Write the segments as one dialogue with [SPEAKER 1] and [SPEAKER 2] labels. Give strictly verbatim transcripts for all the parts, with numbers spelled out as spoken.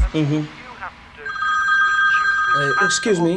[SPEAKER 1] Угу. Excuse me.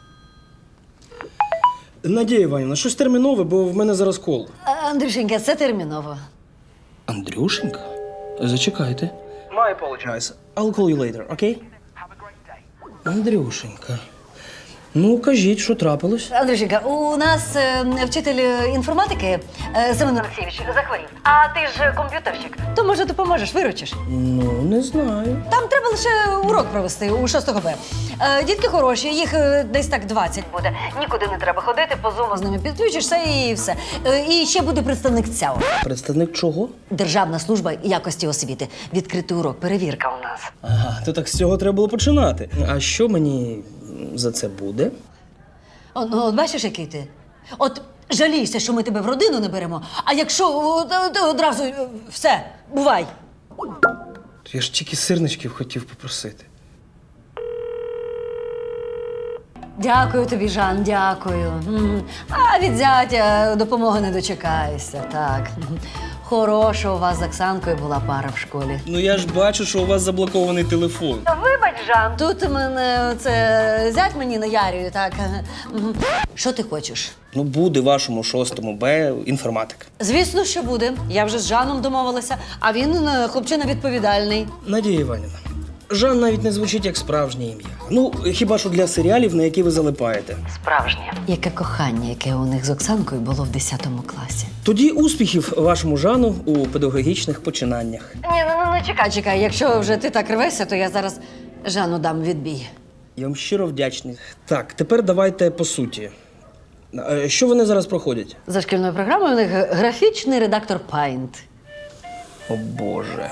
[SPEAKER 1] Надія Іванівна, щось термінове, бо в мене зараз кол.
[SPEAKER 2] Андрюшенька, це терміново.
[SPEAKER 1] Андрюшенька? Зачекайте. My apologize. I'll call you later, окей? Okay? Андрюшенька. Ну, кажіть, що трапилось?
[SPEAKER 2] Андрюшенька, у нас е, вчитель інформатики е, Семен Олексійович захворів. А ти ж комп'ютерщик. То, може, допоможеш, виручиш?
[SPEAKER 1] Ну, не знаю.
[SPEAKER 2] Там треба лише урок провести у шостого Б. Е, дітки хороші, їх е, десь так двадцять буде. Нікуди не треба ходити, по зуму з ними підключишся і все. Е, і ще буде представник ЦЯО.
[SPEAKER 1] Представник чого?
[SPEAKER 2] Державна служба якості освіти. Відкритий урок, перевірка у нас.
[SPEAKER 1] Ага, то так з цього треба було починати. А що мені за це буде?
[SPEAKER 2] О, ну, от бачиш, який ти? От жалійся, що ми тебе в родину не беремо, а якщо о, то- то одразу е, все, бувай.
[SPEAKER 1] Я ж тільки сирничків хотів попросити.
[SPEAKER 2] Дякую тобі, Жан, дякую. М. А від зятя допомоги не дочекаєшся, так. Хороша у вас з Оксанкою була пара в школі.
[SPEAKER 1] Ну я ж бачу, що у вас заблокований телефон.
[SPEAKER 2] Вибач, Жан, тут мене це зять мені наярює, так. Мгм. Що ти хочеш?
[SPEAKER 1] Ну, буде вашому шостому Б інформатика.
[SPEAKER 2] Звісно, що буде. Я вже з Жаном домовилася, а він е, хлопчина відповідальний.
[SPEAKER 1] Надія Іванівна, Жан навіть не звучить як справжнє ім'я. Ну, хіба що для серіалів, на які ви залипаєте.
[SPEAKER 2] Справжнє. Яке кохання, яке у них з Оксанкою було в десятому класі.
[SPEAKER 1] Тоді успіхів вашому Жану у педагогічних починаннях.
[SPEAKER 2] Ні, ну, ну, ну чекай, чекай. Якщо вже ти так рвешся, то я зараз Жану дам відбій.
[SPEAKER 1] Я вам щиро вдячний. Так, тепер давайте по суті. Е, Що вони зараз проходять?
[SPEAKER 2] За шкільною програмою у них графічний редактор Paint.
[SPEAKER 1] О Боже.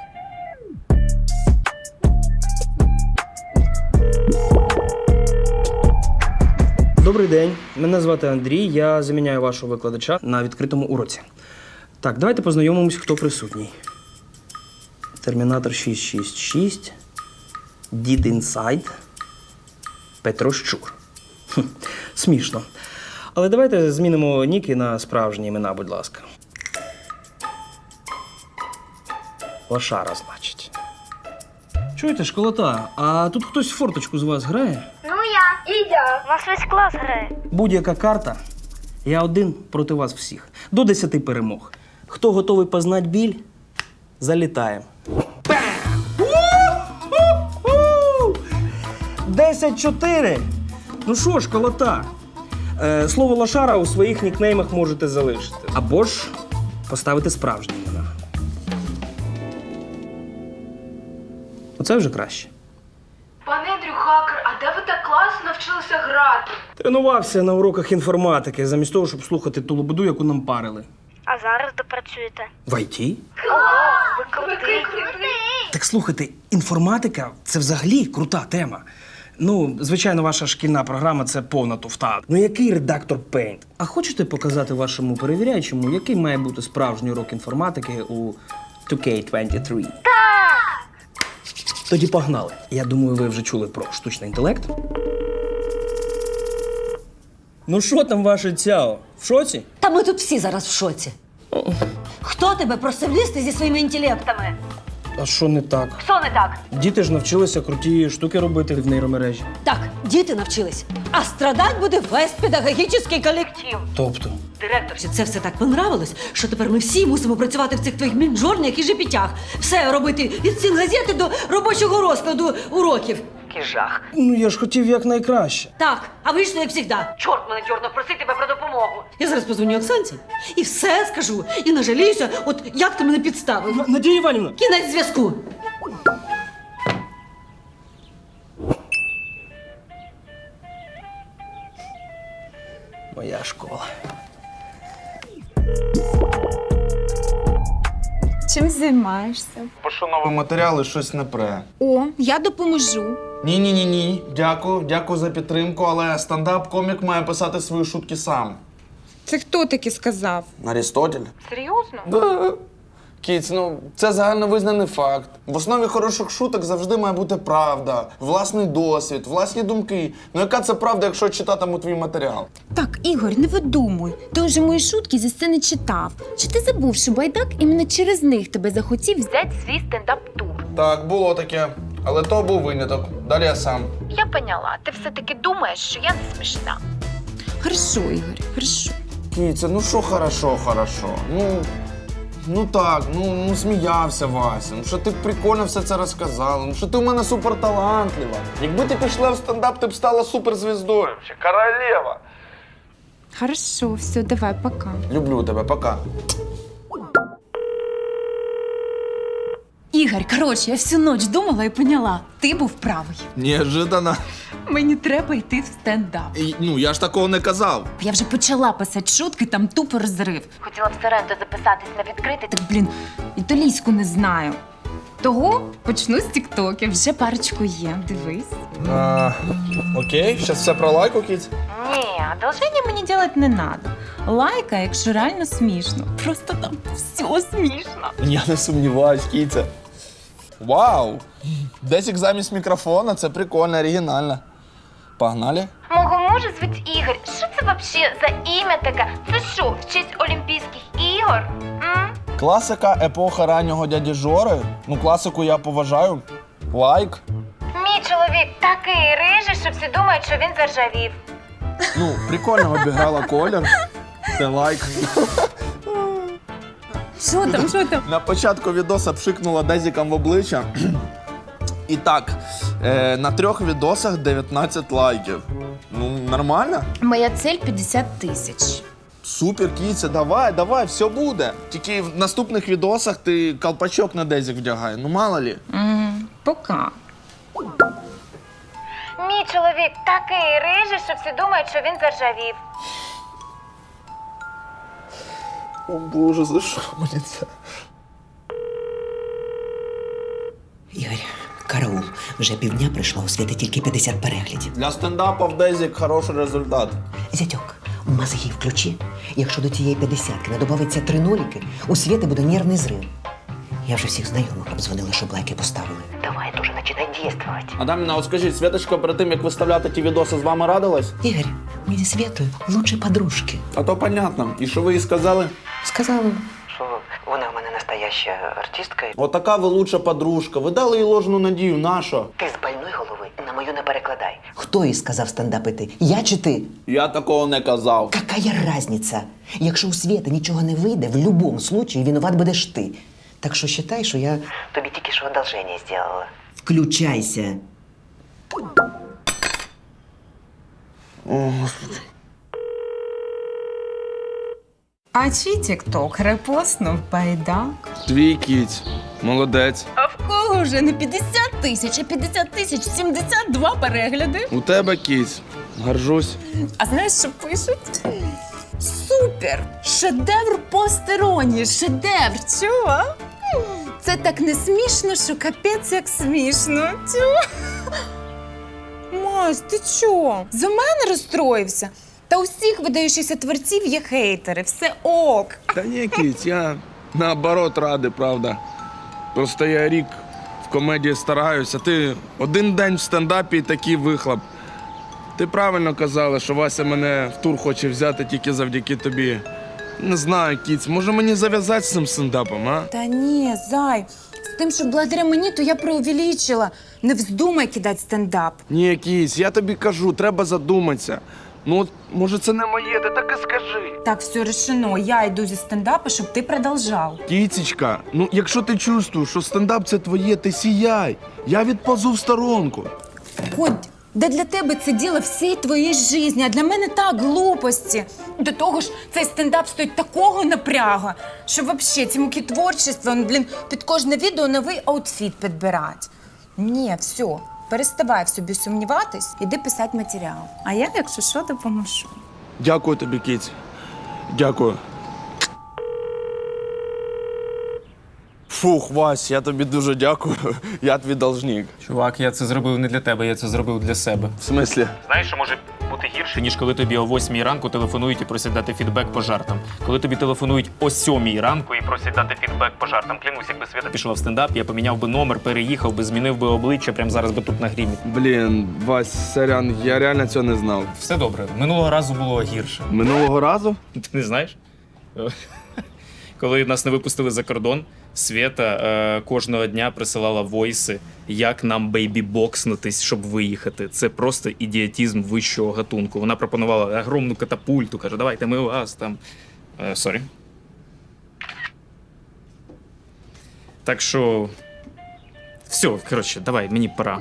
[SPEAKER 1] Добрий день. Мене звати Андрій. Я заміняю вашого викладача на відкритому уроці. Так, давайте познайомимось, хто присутній. Термінатор шість шість шість, Дід Інсайд, Петро Щур. Хм, смішно. Але давайте змінимо ніки на справжні імена, будь ласка. Лошара, значить. Чуєте, школота, а тут хтось в форточку з вас грає?
[SPEAKER 3] Ну я. І я. У нас весь клас грає.
[SPEAKER 1] Будь-яка карта, я один проти вас всіх. До десяти перемог. Хто готовий познать біль, залітає. Десять чотири. Ну що ж, колота. Е, слово лошара у своїх нікнеймах можете залишити. Або ж поставити справжні імена. Оце вже краще.
[SPEAKER 3] Пане Андрю Хакер, а де ви так класно навчилися грати?
[SPEAKER 1] Тренувався на уроках інформатики, замість того, щоб слухати ту лободу, яку нам парили.
[SPEAKER 3] А зараз де працюєте?
[SPEAKER 1] В ай ті?
[SPEAKER 3] Ви крутий.
[SPEAKER 1] Так слухайте, інформатика – це взагалі крута тема. Ну, звичайно, ваша шкільна програма – це повна туфта. Ну, який редактор Paint? А хочете показати вашому перевіряючому, який має бути справжній урок інформатики у два кей двадцять три? Так! Тоді погнали. Я думаю, ви вже чули про штучний інтелект. Ну, що там ваше цяо? В шоці?
[SPEAKER 2] Та ми тут всі зараз в шоці. Хто тебе просив лізти зі своїми інтелектами?
[SPEAKER 1] А що не так?
[SPEAKER 2] Що не так?
[SPEAKER 1] Діти ж навчилися круті штуки робити в нейромережі.
[SPEAKER 2] Так, діти навчились, а страдать буде весь педагогічний колектив.
[SPEAKER 1] Тобто?
[SPEAKER 2] Директорці, це все так понравилось, що тепер ми всі мусимо працювати в цих твоїх мінджорнях і жепітях. Все робити від стін газети до робочого розкладу уроків. Кіжах.
[SPEAKER 1] Ну, я ж хотів якнайкраще.
[SPEAKER 2] Так, а вийшло, як завжди. Чорт мене дьорнув, просить тебе про допомогу. Я зараз позвоню Оксанці і все скажу. І нажаліюся, от як ти мене підставив.
[SPEAKER 1] Надія Іванівна!
[SPEAKER 2] Кінець зв'язку.
[SPEAKER 1] Моя школа.
[SPEAKER 4] Чим займаєшся?
[SPEAKER 5] Пишу нові матеріали, щось не пре.
[SPEAKER 4] О, я допоможу.
[SPEAKER 5] Ні-ні-ні-ні. Дякую, дякую за підтримку, але стендап-комік має писати свої шутки сам.
[SPEAKER 4] Це хто таки сказав?
[SPEAKER 5] Арістотель?
[SPEAKER 4] Серйозно?
[SPEAKER 5] Да. Кіць, ну це загальновизнаний факт. В основі хороших шуток завжди має бути правда, власний досвід, власні думки. Ну яка це правда, якщо читатиму твій матеріал?
[SPEAKER 6] Так, Ігор, не видумуй. Ти вже мої шутки зі сцени читав. Чи ти забув, що байдак іменно через них тебе захотів взяти свій стендап-тур?
[SPEAKER 5] Так, було таке. Але то був виняток. Далі я сам.
[SPEAKER 6] Я поняла, ти все-таки думаєш, що я не смішна.
[SPEAKER 4] Хорошо, Ігор, хорошо.
[SPEAKER 5] Кіця, ну що хорошо, хорошо. Ну, ну так, ну, ну сміявся Вася. Ну що ти прикольно все це розказала. Ну що ти у мене суперталантлива. Якби ти пішла в стендап, ти б стала суперзвіздою. Ще королева.
[SPEAKER 4] Хорошо, все, давай, пока.
[SPEAKER 5] Люблю тебе, пока.
[SPEAKER 6] Ігор, коротше, я всю ніч думала і поняла, ти був правий.
[SPEAKER 5] Неожиданно.
[SPEAKER 6] Мені треба йти в стендап.
[SPEAKER 5] І, ну, я ж такого не казав.
[SPEAKER 6] Я вже почала писати шутки, там тупо розрив. Хотіла в Соренто записатись на відкритий, так, блін, італійську не знаю. Того почну з тіктоків. Вже парочку є, дивись.
[SPEAKER 5] А, окей, зараз все про лайку, Кіць.
[SPEAKER 6] Ні, одолження мені робити не треба. Лайка, якщо реально смішно. Просто там все смішно.
[SPEAKER 5] Я не сумніваюсь, Кіця. Вау! Десік замість мікрофона, це прикольно, оригінально. Погнали?
[SPEAKER 7] Мого мужа звуть Ігор. Що це вообще за ім'я таке? Це що, в честь Олімпійських ігор? М?
[SPEAKER 5] Класика епоха раннього дяді Жори. Ну, класику я поважаю. Лайк.
[SPEAKER 7] Мій чоловік такий рижий, що всі думають, що він заржавів.
[SPEAKER 5] Ну, прикольно обіграла колір. Це лайк.
[SPEAKER 6] Що там, що там?
[SPEAKER 5] На початку відоса пшикнула Дезіком в обличчя. І так, е, на трьох відосах дев'ятнадцять лайків. Ну, нормально?
[SPEAKER 6] Моя цель п'ятдесят тисяч.
[SPEAKER 5] Супер, Кіця, давай, давай, все буде. Тільки в наступних відосах ти колпачок на Дезік вдягай, ну мало лі.
[SPEAKER 4] Пока.
[SPEAKER 7] Мій чоловік такий рижий, що всі думають, що він заржавів.
[SPEAKER 5] О Боже, за що мені це?
[SPEAKER 8] Ігор, караул. Вже півдня прийшло, у Світи тільки п'ятдесят переглядів.
[SPEAKER 5] Для стендапа в Дезік хороший результат.
[SPEAKER 8] Зятьок, мозги включи. Якщо до цієї п'ятдесятки не додається три ноліки, у Світи буде нервний зрив. Я вже всіх знайомих обдзвонила, щоб лайки поставили. Давай, дуже починай дійствувати.
[SPEAKER 5] Адаміна, от скажіть, Світочка перед тим, як виставляти ті відоси, з вами радилась?
[SPEAKER 8] Ігор, ми зі Світою лучші подружки.
[SPEAKER 5] А то понятно. І що ви їй сказали?
[SPEAKER 8] Сказала, що вона в мене настояща артистка.
[SPEAKER 5] Отака ви лучша подружка. Ви дали їй ложну надію, нащо?
[SPEAKER 8] Ти з больної голови на мою не перекладай. Хто їй сказав стендапити? Я чи ти?
[SPEAKER 5] Я такого не казав.
[SPEAKER 8] Какая разниця? Якщо у Світи нічого не вийде, в будь-якому випадку винуват будеш ти. Так що вважай, що я тобі тільки що одолження зробила. Включайся.
[SPEAKER 5] О, Господи.
[SPEAKER 4] А чий тікток репостнув байдак?
[SPEAKER 5] Твій кіць. Молодець.
[SPEAKER 6] А в кого вже не п'ятдесят тисяч, а п'ятдесят тисяч сімдесят два перегляди?
[SPEAKER 5] У тебе кіць. Горжусь.
[SPEAKER 6] А знаєш, що пишуть? Супер! Шедевр постероні! Шедевр! Чого? Це так не смішно, що капець як смішно. Чого?
[SPEAKER 4] Мась, ти чо? За мене розстроївся? Та у всіх видаючихся творців є хейтери, все ок.
[SPEAKER 5] Та ні, кіць, я наоборот радий, правда. Просто я рік в комедії стараюся. Ти один день в стендапі і такий вихлоп. Ти правильно казала, що Вася мене в тур хоче взяти тільки завдяки тобі. Не знаю, кіць, може мені зав'язати з цим стендапом, а?
[SPEAKER 4] Та ні, зай, з тим, що благодаря мені, то я преувеличила. Не вздумай кидати стендап.
[SPEAKER 5] Ні, кіць, я тобі кажу, треба задуматися. Ну, от, може, це не моє, ти так і скажи.
[SPEAKER 4] Так, все решено, я йду зі стендапу, щоб ти продовжав.
[SPEAKER 5] Кіцечка, ну якщо ти чувствуєш, що стендап це твоє, ти сіяй. Я відпозу в сторонку.
[SPEAKER 4] Коть, де для тебе це діло всієї твоєї житті, а для мене так, глупості. До того ж, цей стендап стоїть такого напряга, що взагалі ці муки творчества, ну, блін, під кожне відео новий аутфіт підбирати. Ні, все, переставай в собі сумніватись, іди писати матеріал. А я, якщо що, допоможу.
[SPEAKER 5] Дякую тобі, кіць. Дякую. Фух, Вась, я тобі дуже дякую. Я твій должник.
[SPEAKER 9] Чувак, я це зробив не для тебе, я це зробив для себе.
[SPEAKER 5] В смислі?
[SPEAKER 9] Знаєш, що може бути гірше, ніж коли тобі о восьмій ранку телефонують і просять дати фідбек по жартам. Коли тобі телефонують о сьомій ранку і просять дати фідбек по жартам. Клянусь, якби Свята пішла в стендап, я поміняв би номер, переїхав би, змінив би обличчя, прямо зараз би тут на грімі.
[SPEAKER 5] Блін, Вась, сорян, я реально цього не знав.
[SPEAKER 9] Все добре. Минулого разу було гірше.
[SPEAKER 5] Минулого разу?
[SPEAKER 9] Ти не знаєш? Коли нас не випустили за кордон, Свєта е, кожного дня присилала войси, як нам бейбі-бокснутись, щоб виїхати. Це просто ідіотизм вищого гатунку. Вона пропонувала огромну катапульту, каже, давайте ми вас там. Е, Сорі. Так що. Все, коротше, давай, мені пора.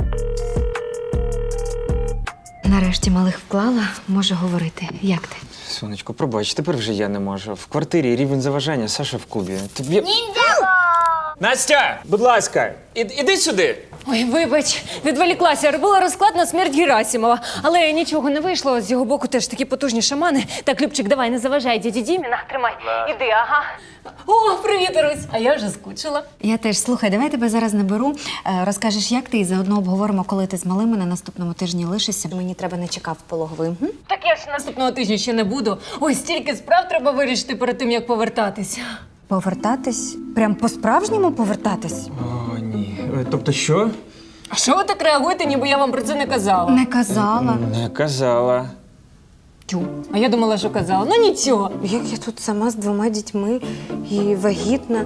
[SPEAKER 10] Нарешті малих вклала, можу говорити. Як ти?
[SPEAKER 11] Сонечко, пробач, тепер вже я не можу. В квартирі рівень заважання, Саша в клубі. Тобі... Настя, будь ласка, і, іди сюди.
[SPEAKER 4] Ой, вибач, відволіклася. Робила розклад на смерть Герасимова. Але нічого не вийшло. З його боку теж такі потужні шамани. Так, Любчик, давай, не заважай дяді Дімі. На, тримай. Іди, ага. О, привіт, Русь. А я вже скучила.
[SPEAKER 10] Я теж. Слухай, давай тебе зараз наберу. Е, Розкажеш, як ти, і заодно обговоримо, коли ти з малими на наступному тижні лишишся. Мені треба не чекав в пологовий. М?
[SPEAKER 4] Так я ж наступного тижня ще не буду. Ой, стільки справ треба вирішити перед тим, як повертатися.
[SPEAKER 10] Повертатись? Прям по-справжньому повертатись?
[SPEAKER 11] О, ні. Е, Тобто що?
[SPEAKER 4] А що ви так реагуєте, ніби я вам про це не казала?
[SPEAKER 10] Не казала.
[SPEAKER 11] Не казала.
[SPEAKER 4] Тю. А я думала, що казала. Ну нічого.
[SPEAKER 10] Як я тут сама з двома дітьми і вагітна.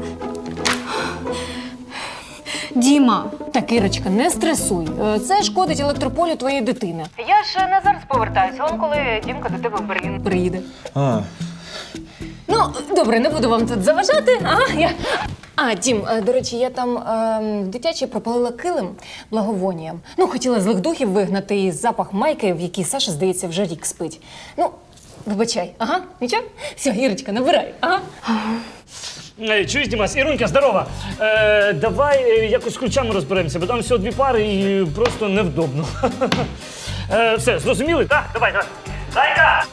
[SPEAKER 10] Діма!
[SPEAKER 4] Так, Ірочка, не стресуй. Е, Це шкодить електрополю твоєї дитини. Я ж не зараз повертаюся, он коли Дімка до тебе в Берлін приїде.
[SPEAKER 11] А,
[SPEAKER 4] Ну, добре, не буду вам тут заважати. Ага, я... А, Дім, е, до речі, я там е, в дитячій пропалила килим благовонієм. Ну, хотіла злих духів вигнати і запах майки, в якій Саша, здається, вже рік спить. Ну, вибачай. Ага, нічого? Все, Ірочка, набирай. Ага.
[SPEAKER 12] Е, Чуєш, Дімас, Ірунька, здорова. Е, давай е, якось з ключами розберемося, бо там всього дві пари і просто невдобно. Е, все, зрозуміли? Так, давай, давай. Зайка!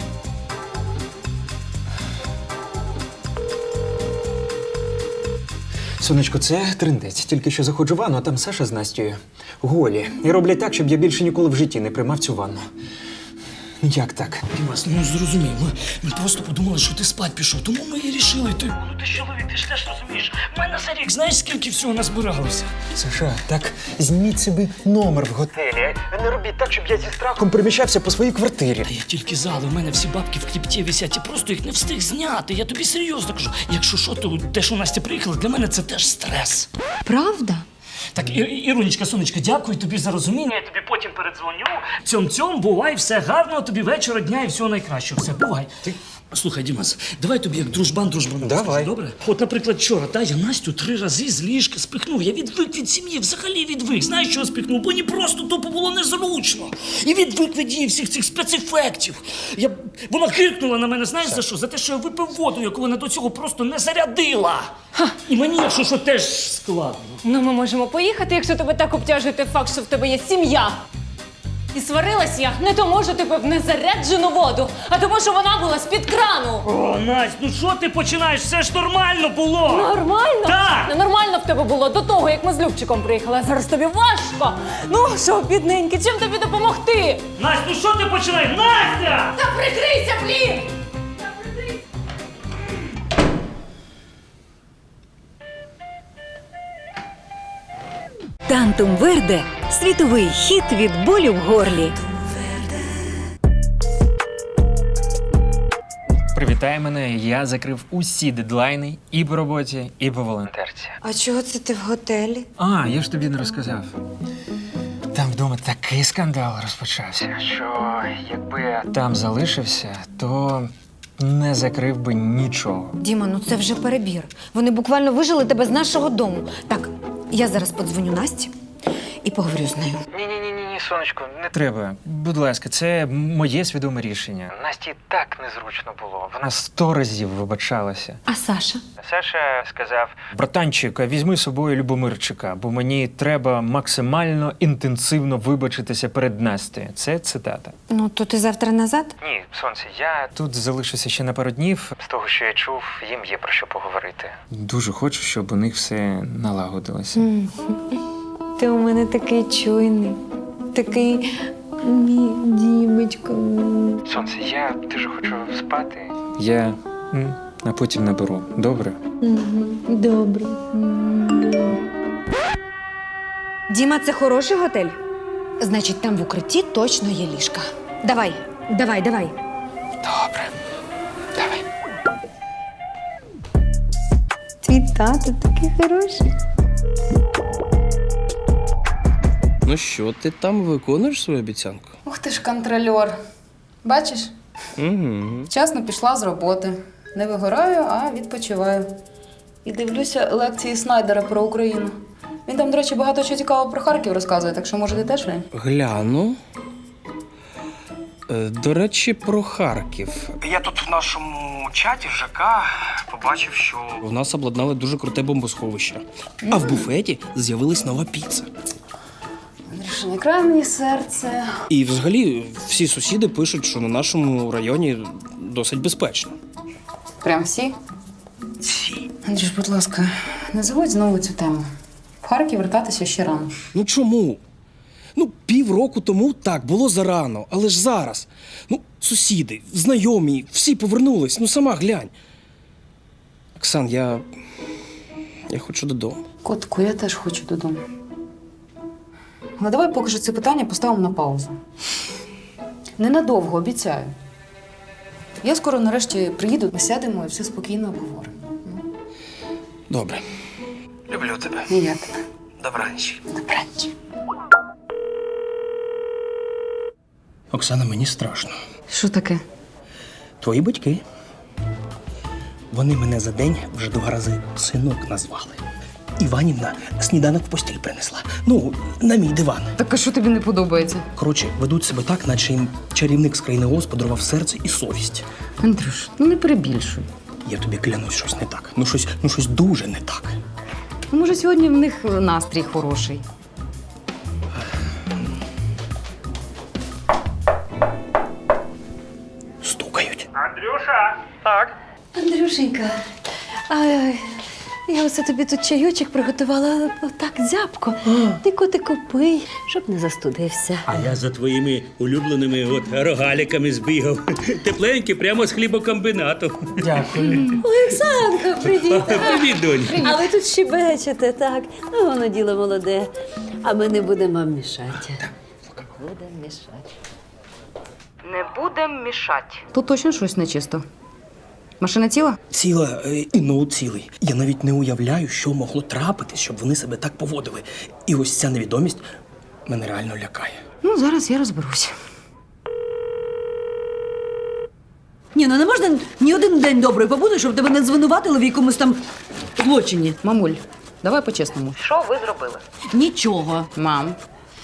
[SPEAKER 11] сонечко, це трындець. Тільки що заходжу в ванну, а там Саша з Настю голі. І роблять так, щоб я більше ніколи в житті не приймав цю ванну. Ну як так?
[SPEAKER 1] Дімас, ну зрозумій, ми, ми просто подумали, що ти спать пішов, тому ми і рішили ти.
[SPEAKER 12] Ну ти ж чоловік, ти ж теж розумієш. У мене за рік, знаєш, скільки всього назбиралося?
[SPEAKER 11] Саша, так зніміть собі номер в готелі. Не робіть так, щоб я зі страхом переміщався по своїй квартирі.
[SPEAKER 12] Та я тільки зали, у мене всі бабки в кріпті висять, я просто їх не встиг зняти. Я тобі серйозно кажу. Якщо що, то те, що Настя приїхала, для мене це теж стрес.
[SPEAKER 10] Правда?
[SPEAKER 12] Так, І- Ірунечка, сонечка, дякую тобі за розуміння. Я тобі потім передзвоню. Цьом-цьом, бувай, все гарного тобі вечора, дня і всього найкращого. Все, бувай. Ти... Слухай, Дімас, давай тобі як дружбан дружбану
[SPEAKER 11] Давай.
[SPEAKER 12] скажу, добре? От, наприклад, вчора, та, я Настю три рази з ліжка спихнув. Я відвик від сім'ї, взагалі відвик. Знаєш, чого спихнув? Бо мені просто тупо було незручно. І відвик від її всіх цих спецефектів. Я... Вона киркнула на мене, знаєш за що? За те, що я випив воду, яку вона до цього просто не зарядила. Ха. І мені, якщо що, теж складно.
[SPEAKER 4] Ну, ми можемо поїхати, якщо тебе так обтяжує той факт, що в тебе є сім'я. І сварилась я не тому, що ти пив незаряджену воду, а тому, що вона була з-під крану.
[SPEAKER 12] О, Настя, ну що ти починаєш? Все ж нормально було.
[SPEAKER 4] Нормально?
[SPEAKER 12] Так.
[SPEAKER 4] Ну, нормально в тебе було до того, як ми з Любчиком приїхали, а зараз тобі важко. Ну, що, бідненький, чим тобі допомогти?
[SPEAKER 12] Настя, ну що ти починаєш? Настя!
[SPEAKER 4] Та прикрийся, блін!
[SPEAKER 13] Тантум Верде – світовий хіт від болю в горлі.
[SPEAKER 11] Привітай мене, я закрив усі дедлайни і по роботі, і по волонтерці.
[SPEAKER 10] А чого це ти в готелі?
[SPEAKER 11] А, я ж тобі не розказав. Там вдома такий скандал розпочався, що якби я там залишився, то не закрив би нічого.
[SPEAKER 10] Діма, ну це вже перебір. Вони буквально вижили тебе з нашого дому. Так, я зараз подзвоню Насті і поговорю з нею.
[SPEAKER 11] Ні-ні-ні, сонечко, не треба. Будь ласка, це моє свідоме рішення. Насті так незручно було. Вона сто разів вибачалася.
[SPEAKER 10] А Саша?
[SPEAKER 11] Саша сказав: братанчик, візьми з собою Любомирчика, бо мені треба максимально інтенсивно вибачитися перед Настею. Це цитата.
[SPEAKER 10] Ну, то ти завтра назад?
[SPEAKER 11] Ні, сонце, я тут залишуся ще на пару днів. З того, що я чув, їм є про що поговорити. Дуже хочу, щоб у них все налагодилося.
[SPEAKER 10] Ти у мене такий чуйний, такий мій Дімочка.
[SPEAKER 11] Сонце, я дуже хочу спати. Я м, а потім наберу. Добре?
[SPEAKER 10] Добре. Діма, це хороший готель? Значить, там в укритті точно є ліжка. Давай, давай, давай.
[SPEAKER 11] Добре. Давай.
[SPEAKER 10] Твій тато такий хороший.
[SPEAKER 1] Ну що, ти там виконуєш свою обіцянку?
[SPEAKER 4] Ух ти ж контрольор. Бачиш?
[SPEAKER 1] Угу.
[SPEAKER 4] Вчасно пішла з роботи. Не вигораю, а відпочиваю. І дивлюся лекції Снайдера про Україну. Він там, до речі, багато чого цікавого про Харків розказує, так що, може, ти теж глянь?
[SPEAKER 1] Гляну. Е, До речі, про Харків. Я тут в нашому чаті ЖК побачив, що в нас обладнали дуже круте бомбосховище. А в буфеті з'явилась нова піца.
[SPEAKER 4] Андрюша, не край мені серце.
[SPEAKER 1] І взагалі всі сусіди пишуть, що на нашому районі досить безпечно.
[SPEAKER 4] Прям всі?
[SPEAKER 1] Всі.
[SPEAKER 4] Андрюш, будь ласка, не заводь знову цю тему. В Харків вертатися ще рано.
[SPEAKER 1] Ну чому? Ну, півроку тому так, було зарано, але ж зараз. Ну, сусіди, знайомі, всі повернулись, ну сама глянь. Оксан, я. Я хочу додому.
[SPEAKER 4] Котку, я теж хочу додому. Але давай поки що це питання поставимо на паузу. Ненадовго, обіцяю. Я скоро нарешті приїду, ми сядемо і все спокійно обговоримо.
[SPEAKER 1] Добре. Люблю тебе.
[SPEAKER 4] І я тебе.
[SPEAKER 1] Добраніч.
[SPEAKER 4] Добраніч.
[SPEAKER 1] Оксана, мені страшно.
[SPEAKER 4] Що таке?
[SPEAKER 1] Твої батьки. Вони мене за день вже два рази синок назвали. Іванівна сніданок в постіль принесла. Ну, на мій диван.
[SPEAKER 4] Так а що тобі не подобається?
[SPEAKER 1] Коротше, ведуть себе так, наче їм чарівник з країни Оз подарував серце і совість.
[SPEAKER 4] Андрюш, ну не перебільшуй.
[SPEAKER 1] Я тобі клянусь, щось не так. Ну щось, ну щось дуже не так.
[SPEAKER 4] Ну, може, сьогодні в них настрій хороший.
[SPEAKER 1] Стукають.
[SPEAKER 11] Андрюша! Так.
[SPEAKER 2] Андрюшенька, а, я оце тобі тут чайочок приготувала, отак зябко. Ти котику пий, щоб не застудився.
[SPEAKER 12] А я за твоїми улюбленими от рогаліками збігав. Тепленькі, прямо з хлібокомбінату.
[SPEAKER 11] Дякую.
[SPEAKER 2] Олександрка, привіт!
[SPEAKER 12] Привіт, донь.
[SPEAKER 2] А ви тут щебечете, так? Ну, воно діло молоде. А ми не будемо вам мішати. Будемо мішати.
[SPEAKER 3] Не будем мішати.
[SPEAKER 4] Тут точно щось нечисто. Машина ціла?
[SPEAKER 1] Ціла е, і ноут цілий. Я навіть не уявляю, що могло трапитись, щоб вони себе так поводили. І ось ця невідомість мене реально лякає.
[SPEAKER 4] Ну, зараз я розберусь.
[SPEAKER 2] Ні, ну не можна ні один день добрий побути, щоб тебе не звинуватили в якомусь там злочині.
[SPEAKER 4] Мамуль, давай по-чесному.
[SPEAKER 3] Що ви зробили?
[SPEAKER 2] Нічого.
[SPEAKER 4] Мам,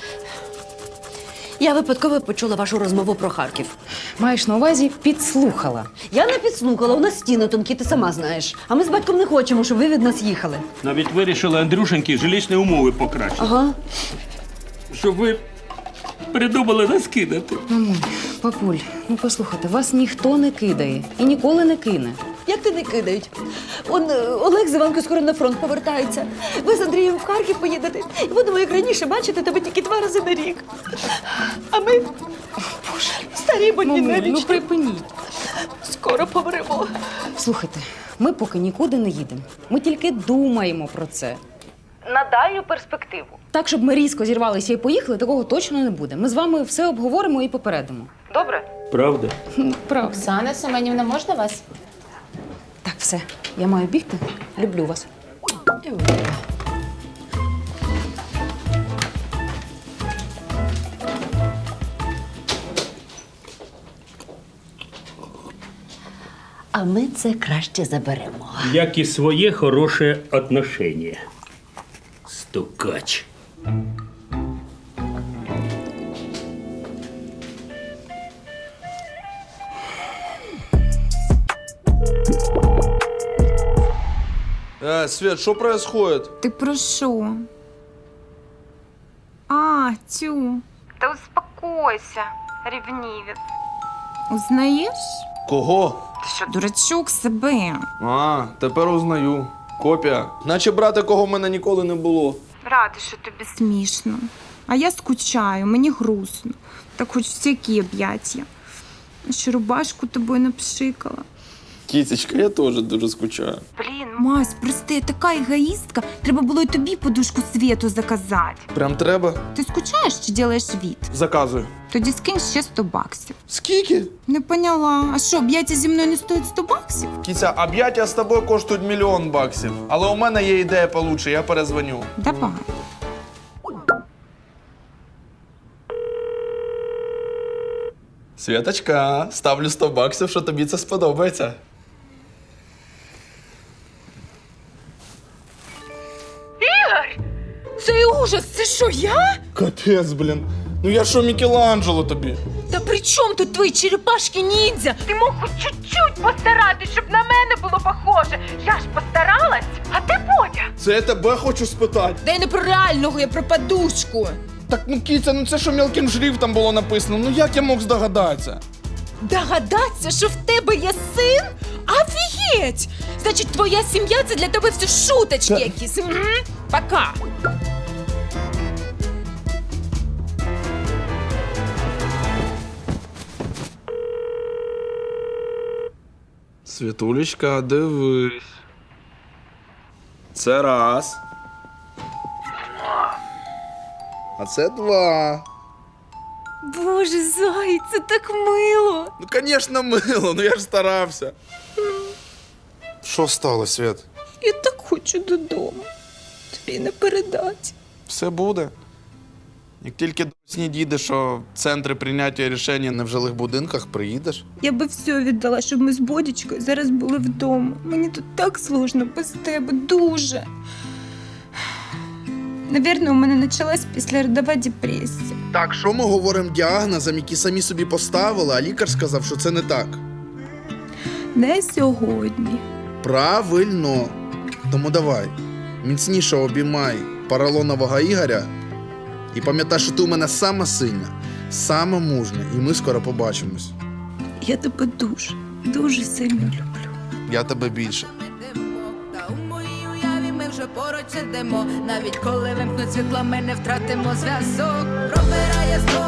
[SPEAKER 2] Я випадково почула вашу розмову про Харків.
[SPEAKER 4] маєш на увазі підслухала.
[SPEAKER 2] Я не підслухала, у нас стіни тонкі, ти сама знаєш. А ми з батьком не хочемо, щоб ви від нас їхали.
[SPEAKER 12] Навіть вирішили Андрюшеньки жилищні умови покращити.
[SPEAKER 2] Ага.
[SPEAKER 12] Щоб ви придумали нас кидати.
[SPEAKER 4] Мамуль, папуль, ну послухайте, вас ніхто не кидає і ніколи не кине.
[SPEAKER 2] Як ти не кидають? Он е, Олег з Іванкою скоро на фронт повертається. Ви з Андрієм в Харків поїдете. І будемо, як раніше, бачити тебе тільки два рази на рік. А ми, Боже, старі больні
[SPEAKER 4] Мамуль, ну
[SPEAKER 2] навічно.
[SPEAKER 4] припиніть.
[SPEAKER 2] Скоро помремо.
[SPEAKER 4] Слухайте, ми поки нікуди не їдемо. Ми тільки думаємо про це.
[SPEAKER 3] На дальню перспективу.
[SPEAKER 4] Так, щоб ми різко зірвалися і поїхали, такого точно не буде. Ми з вами все обговоримо і попередимо.
[SPEAKER 3] Добре?
[SPEAKER 12] Правда?
[SPEAKER 4] Правда.
[SPEAKER 6] Оксана Семенівна, можна вас?
[SPEAKER 4] Так, все. Я маю бігти. Люблю вас.
[SPEAKER 2] А ми це краще заберемо.
[SPEAKER 12] Як і своє хороше отношення. Стукач.
[SPEAKER 5] Э, Свет, что происходит?
[SPEAKER 6] Ти про що? А, тю.
[SPEAKER 7] Та успокойся, рівнівець.
[SPEAKER 6] Узнаєш?
[SPEAKER 5] Кого?
[SPEAKER 6] Ти що, дурачок себе?
[SPEAKER 5] А, тепер узнаю. Копія. Наче брати, кого в мене ніколи не було.
[SPEAKER 6] Рада, що тобі смішно. А я скучаю, мені грустно. Так хоч всякі об'яття. Ще рубашку тобою напшикала.
[SPEAKER 5] Кітечка, я теж дуже скучаю.
[SPEAKER 7] Блін,
[SPEAKER 4] Мась, прости, я така егоїстка. Треба було й тобі подушку світу заказати.
[SPEAKER 5] Прям треба?
[SPEAKER 4] Ти скучаєш чи ділаєш від?
[SPEAKER 5] Заказую.
[SPEAKER 4] Тоді скинь ще сто баксів.
[SPEAKER 5] Скільки?
[SPEAKER 4] Не поняла. А що, об'яття зі мною не стоїть сто баксів?
[SPEAKER 5] Кіця, об'яття з тобою коштують мільйон баксів. Але у мене є ідея получше, я перезвоню.
[SPEAKER 4] Давай.
[SPEAKER 5] Святочка, ставлю сто баксів, що тобі це сподобається.
[SPEAKER 4] Цей ужас, це що, я?
[SPEAKER 5] Капець, блін. Ну я що, Мікеланджело тобі?
[SPEAKER 4] Та при чому тут твої черепашки ніндзя?
[SPEAKER 7] Ти мог хоч чуть-чуть постаратись, щоб на мене було похоже. Я ж постаралась, а ти Бодя.
[SPEAKER 5] Це я тебе хочу спитати.
[SPEAKER 4] Та я не про реального, я про подушку.
[SPEAKER 5] Так, ну Кіця, ну це що мілким шрифтом було написано, ну як я мог здогадатися?
[SPEAKER 4] Догадатися, що в тебе є син? Офігеть! Значить, твоя сім'я – це для тебе все шуточки
[SPEAKER 5] Та-
[SPEAKER 4] якісь. М? Пока.
[SPEAKER 5] Світулечка, дивись. Це раз. А це два.
[SPEAKER 4] Боже, зай, це так мило.
[SPEAKER 5] Ну, звісно, мило, ну я ж старався. Що сталося, Свят?
[SPEAKER 4] Я так хочу додому. Тобі не передати.
[SPEAKER 5] Все буде. Як тільки до сні дійде, що центри прийняття рішень не в жилих будинках, приїдеш.
[SPEAKER 4] Я би все віддала, щоб ми з Бодічкою зараз були вдома. Мені тут так сложно без тебе, дуже. Навірно, у мене почалась післяродова депресія.
[SPEAKER 5] Так, що ми говоримо діагнозам, які самі собі поставили, а лікар сказав, що це не так.
[SPEAKER 4] Не сьогодні.
[SPEAKER 5] Правильно. Тому давай, міцніше обіймай поролонового Ігоря і пам'ятай, що ти у мене сама сильна, сама мужня, і ми скоро побачимось.
[SPEAKER 4] Я тебе дуже, дуже сильно люблю.
[SPEAKER 5] Я тебе більше.
[SPEAKER 6] Та у моїй уяві ми вже поруч ідемо. Навіть коли вимкнуть світло, ми не втратимо зв'язок. Пробирає зло